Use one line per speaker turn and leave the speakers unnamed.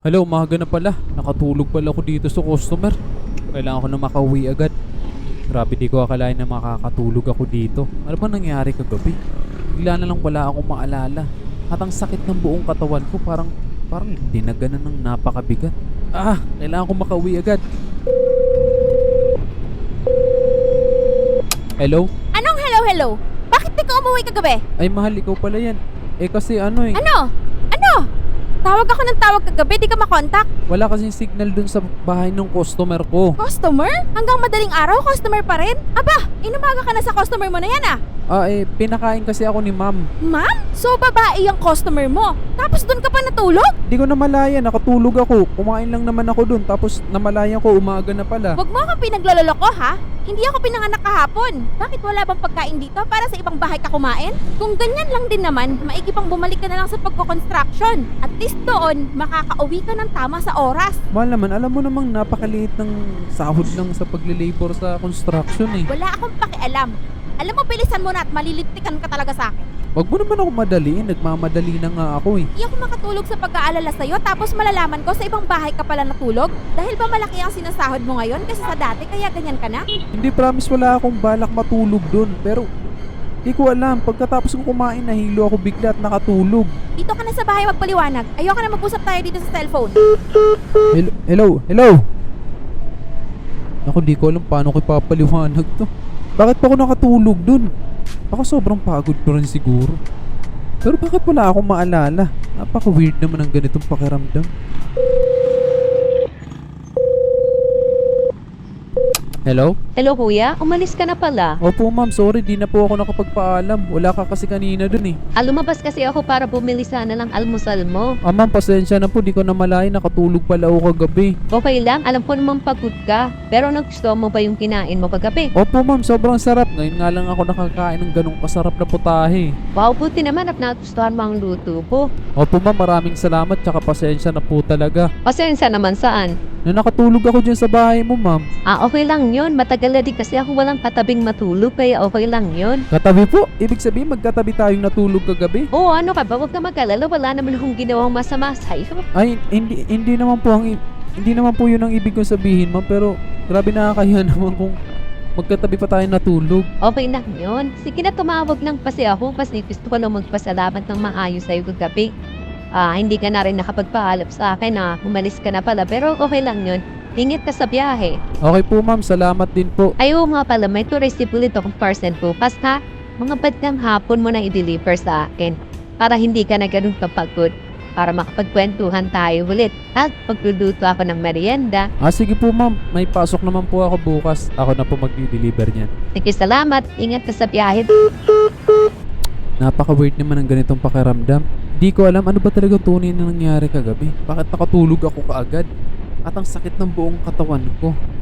Hala, umaga na pala. Nakatulog pala ako dito sa customer. Kailangan ko na makauwi agad. Grabe, di ko akalain na makakatulog ako dito. Ano ba nangyari kagabi? Bigla na lang wala akong maalala. At ang sakit ng buong katawan ko parang dinaganan ng napakabigat. Kailangan ko makauwi agad. Hello?
Anong hello? Bakit di ka umuwi kagabi?
Ay mahal, ikaw pala yan. Kasi ano eh.
Ano? Tawag ako ng tawag kagabi, di ka makontak.
Wala kasing signal dun sa bahay ng customer ko.
Customer? Hanggang madaling araw, customer pa rin? Aba, inumaga ka na sa customer mo na yan ah.
Pinakain kasi ako ni ma'am.
Ma'am? So babae yung customer mo? Tapos doon ka pa natulog?
Di ko namalaya, nakatulog ako. Kumain lang naman ako dun, tapos namalaya ko, umaga na pala.
Huwag mo akong pinaglaloloko ha? Hindi ako pinanganak kahapon. Bakit wala bang pagkain dito para sa ibang bahay ka kumain? Kung ganyan lang din naman, maigi pang bumalik ka na lang sa pagko-construction. At least doon, makakauwi ka ng tama sa oras.
Mahal naman, alam mo namang napakaliit ng sahod lang sa paglilabor sa construction eh.
Wala akong pakialam. Alam mo, bilisan mo na at maliliptikan ka talaga sa akin.
Wag mo naman ako madaliin, nagmamadali na nga ako eh.
Hindi ako makatulog sa pag-aalala sa'yo tapos malalaman ko sa ibang bahay ka pala natulog? Dahil ba malaki ang sinasahod mo ngayon kasi sa dati kaya ganyan ka na?
Hindi, promise, wala akong balak matulog dun. Pero, di ko alam, pagkatapos ko kumain, nahilo ako bigla at nakatulog.
Dito ka na sa bahay magpaliwanag. Ayoko na mag-usap tayo dito sa cellphone.
Hello? Ako, di ko alam paano ko ipapaliwanag to. Bakit pa ako nakatulog dun? Ako sobrang pagod ko rin siguro. Pero bakit wala akong maalala? Napaka-weird naman ang ganitong pakiramdam. Hello?
Hello kuya, umalis ka na pala.
Opo ma'am, sorry, di na po ako nakapagpaalam. Wala ka kasi kanina dun eh.
Lumabas kasi ako para bumili sana ng almusal mo.
Ma'am, pasensya na po, di ko na malayan, nakatulog pala ako kagabi.
Okay lang, alam ko namang pagod ka. Pero nagustuhan mo ba yung kinain mo kagabi?
Opo ma'am, sobrang sarap. Ngayon nga lang ako nakakain ng ganong kasarap na putahe.
Wow, buti naman at nagustuhan mo ang luto ko.
Opo ma'am, maraming salamat, tsaka pasensya na po talaga.
Pasensya naman saan?
Na nakatulog ako dyan sa bahay mo ma'am.
Okay lang yun. Matagal na din kasi ako walang katabing matulog kaya okay lang yun.
Katabi po? Ibig sabihin magkatabi tayong natulog kagabi?
Oo, ano ka ba? Huwag ka mag-alala. Wala naman akong ginawang masama sa'yo.
Ay, hindi naman po yun ang ibig kong sabihin ma'am, pero grabe nakakahiya naman kung magkatabi pa tayong natulog.
Okay lang yun. Sige na, tumawag lang kasi ako kasi gusto ko lang magpasalamat ng maayos sa'yo kagabi. Hindi ka na rin nakapagpaalap sa akin na umalis ka na pala pero okay lang yun. Ingat ka sa biyahe.
Okay po ma'am, salamat din po.
Ayaw nga pala, may tourist ulit akong parcel bukas ha. Mga bandang hapon mo na i-deliver sa akin para hindi ka na ganun kapagod. Para makapagkwentuhan tayo ulit at pagluluto ako ng merienda.
Sige po ma'am, may pasok naman po ako bukas. Ako na po magdi-deliver niyan.
Sige, salamat. Ingat ka sa biyahe.
Napaka-weird naman ang ganitong pakiramdam. Di ko alam ano ba talaga tunay na nangyari kagabi. Bakit nakatulog ako kaagad? At ang sakit ng buong katawan ko.